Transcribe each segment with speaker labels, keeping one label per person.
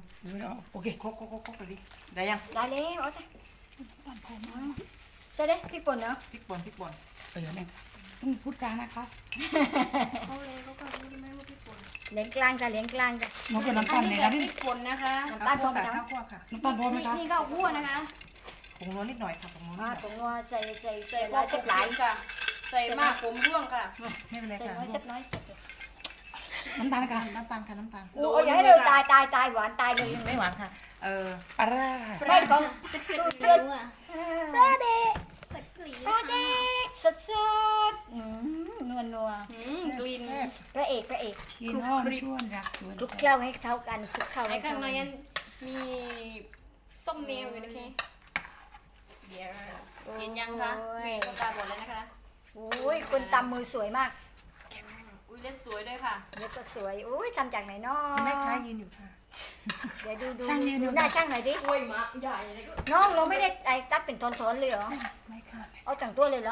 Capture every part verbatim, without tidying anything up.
Speaker 1: โอเคครบครบครบครบไปดิได้ยัง
Speaker 2: ได้แล้วเอาจ้ะใช่เด้พริกป่นเนาะ
Speaker 1: พริกป่นพริกป่น
Speaker 3: เออเนี่ยต้องพูดกลางนะคะ
Speaker 4: เขาเลยเขาก็รู้ไหมว่าพริกป่น
Speaker 2: เหลียงกลางจ้ะเหลียงกลางจ้ะ
Speaker 3: มันเป็นน้ำตาลเนี่ยนะ
Speaker 4: พริกป่นนะคะ
Speaker 2: น้ำตาลพร้อมจ้ะ
Speaker 1: ข้าวคั่วค่ะ
Speaker 3: น้ำตาลพร้อมไหมคะ
Speaker 4: นี่ก็คั่วนะคะ
Speaker 1: ผงนัวนิดหน่อยค่ะผงนัวนิดห
Speaker 2: มา
Speaker 1: น่อย
Speaker 2: ผงนัวใส่ใส่ใส่
Speaker 4: ใส่
Speaker 2: หลายเสร็จหลาย
Speaker 4: ค่ะใส่มากผมร่วงค่ะ
Speaker 1: ไม่เป็นไร
Speaker 2: ใส่
Speaker 1: ค่ะ
Speaker 2: น้อยเสร็จน้อยเสร็จ
Speaker 3: น้ำตาลค่ะ
Speaker 1: น้ำตาลค่ะน้ำตาล
Speaker 2: โอ้ยอย่าให้เราตายตายตายหวานตายเลย
Speaker 1: ไม่หวานค่ะเออ
Speaker 3: ปลาร้า
Speaker 2: ไม่ของ
Speaker 4: เลือดอ่ะ
Speaker 2: ปลาเด็ก
Speaker 4: สักกลิ่น
Speaker 2: ปลาเด็กสดสดนัวนัว
Speaker 4: กลิ่น
Speaker 2: พระเอกพระเอก
Speaker 3: กินห้อมชวนรัก
Speaker 2: คลุกเคล้าให้เท่ากันคลุกเคล้า
Speaker 4: ไอ้
Speaker 2: ให้
Speaker 4: ข้า
Speaker 2: เท่าง
Speaker 4: ใน
Speaker 2: กัน
Speaker 4: นั้นมีส้มเมลอยู่นะคะเดี๋ยวเห็นยังคะเมลก็ตาบอดแล้วนะคะ
Speaker 2: โอ้ยคนตำมือสวยมาก
Speaker 4: อุ้ยเล็บสวยด้วยค่ะ
Speaker 2: เล็บก็สวยโอ้ยทำจากไหนเนาะ
Speaker 1: แม่ค้ายืนอยู่ค่ะ
Speaker 2: เดี๋ยวดูดูดูหน้าช่างหน่อยดิ
Speaker 4: โอ้ยมะใหญ่เลยก็
Speaker 2: น้องเราไม่ได้ไอ้ตัดเป็นทอนๆเลยเหรอ
Speaker 3: ไม่ค่ะ
Speaker 2: เอาแต่งตัวเลยเหรอ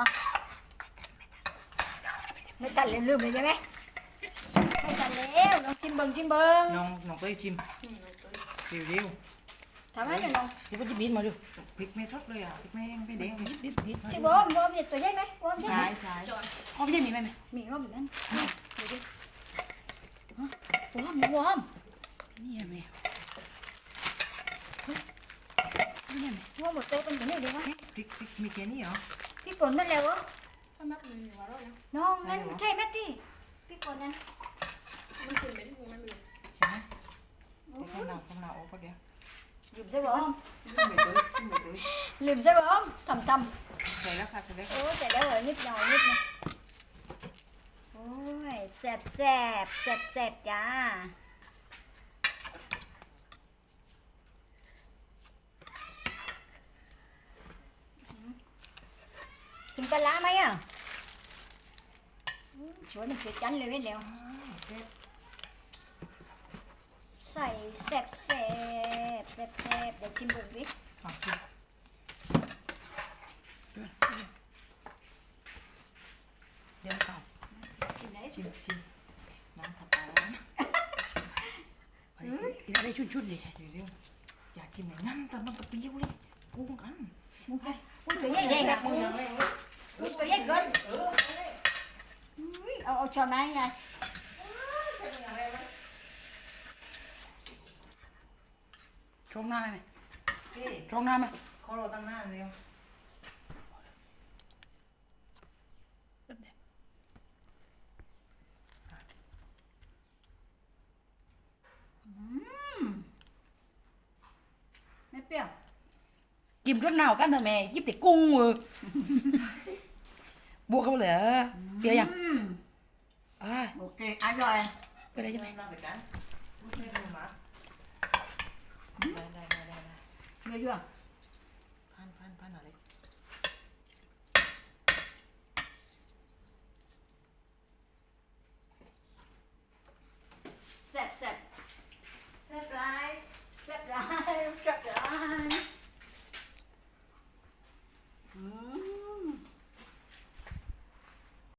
Speaker 2: ไม่ตัดเลยลืมเลยใช่ไหมไม่ตัดแล้วน้องชิมเบิงชิมเบิง
Speaker 1: น้องน้องก็ชิมเร็วเร็ว
Speaker 2: ทำให้หน่อยน้อง
Speaker 3: เดี๋ยวมันจะบินมาดู
Speaker 1: พริกไม่ทอดเลยอ่ะพริกไม่แห้งไม่แดง
Speaker 3: บิดบิดบิด
Speaker 2: ชิมบอมบอมเด็ดตัวใหญ่ไหมบอมใหญ่ไหม
Speaker 1: ใช่ใช่
Speaker 3: อ๋อไม่ใช่มีไหมไหม
Speaker 2: มีบอมแบบนั้นเดี๋ยวดิบอมบอม
Speaker 3: นี่ไหมนี่ไหม
Speaker 2: บอมหมดเต้เป็นแบบนี้ดีวะ
Speaker 1: พริกพริกมีแค่นี้เหรอ
Speaker 2: พี่ฝนนั่นแล้วเหรอ
Speaker 4: ถ้ามัดมันอยู่ว่าเราเนี่ย
Speaker 2: น้องนั่นใช่ไหมที่พี่ฝนนั่น
Speaker 4: มันขึ้นไปที่มือมันเลย
Speaker 1: ใช่ไหมข้าวหนาวข้าวหนาวโอ้ก็เดี๋ยว
Speaker 2: ลืมใช่บอม
Speaker 1: ขึ้นไปเลยขึ้นไปเลย
Speaker 2: ลืมใช่บอมทำท
Speaker 1: ใส่แล้วค่ะใส่แล้ว
Speaker 2: ำโอ้ใส่แล้วเหรอนิดหน่อยนิดนะโอ้ยแซ่บแซ่บแซ่บแซ่บจ้ากินปลาร้าไหมอ่ะชวนมันเสียจันเลยเว้ยแล้วใส่แซ่บแซ่บแซ่บแซ่บเดี๋ยวชิมเบิ่งดิ
Speaker 1: ขอบคุณ
Speaker 3: เดี๋ยวก่อน
Speaker 2: ชิมไหน
Speaker 1: ชิมชิมน้ำผัดปลาแล้วนะ
Speaker 3: อีกได้ชุดชุดเลยใช่
Speaker 1: เร็วๆอยากกินไหนนั่นแต่มันกระเปี้ยวเลยกุ้งกัน
Speaker 2: มึงไปมึงตัวใหญ่ใหญ่แบบมึงมึงตัวใหญ่เกินอุ้ยเอาเอาช้อนมาให้ยาย
Speaker 3: ช่วงหน้าไหม
Speaker 1: พี่
Speaker 3: ช่วงหน้าไหม
Speaker 1: เขารอตั้งหน้าเร็ว
Speaker 2: ไม่เปรี้ยว
Speaker 3: จิ้มรสหนาวกันเถอะแม่จิ้มแต่กุ้งเออบวกกันเลยเปียยังอ่า
Speaker 2: โอเคอร่อย
Speaker 3: ไปได้ใช่ไหม
Speaker 1: มาไปกันไม่ดูมาได้ได้ได้ได้
Speaker 2: เยอะ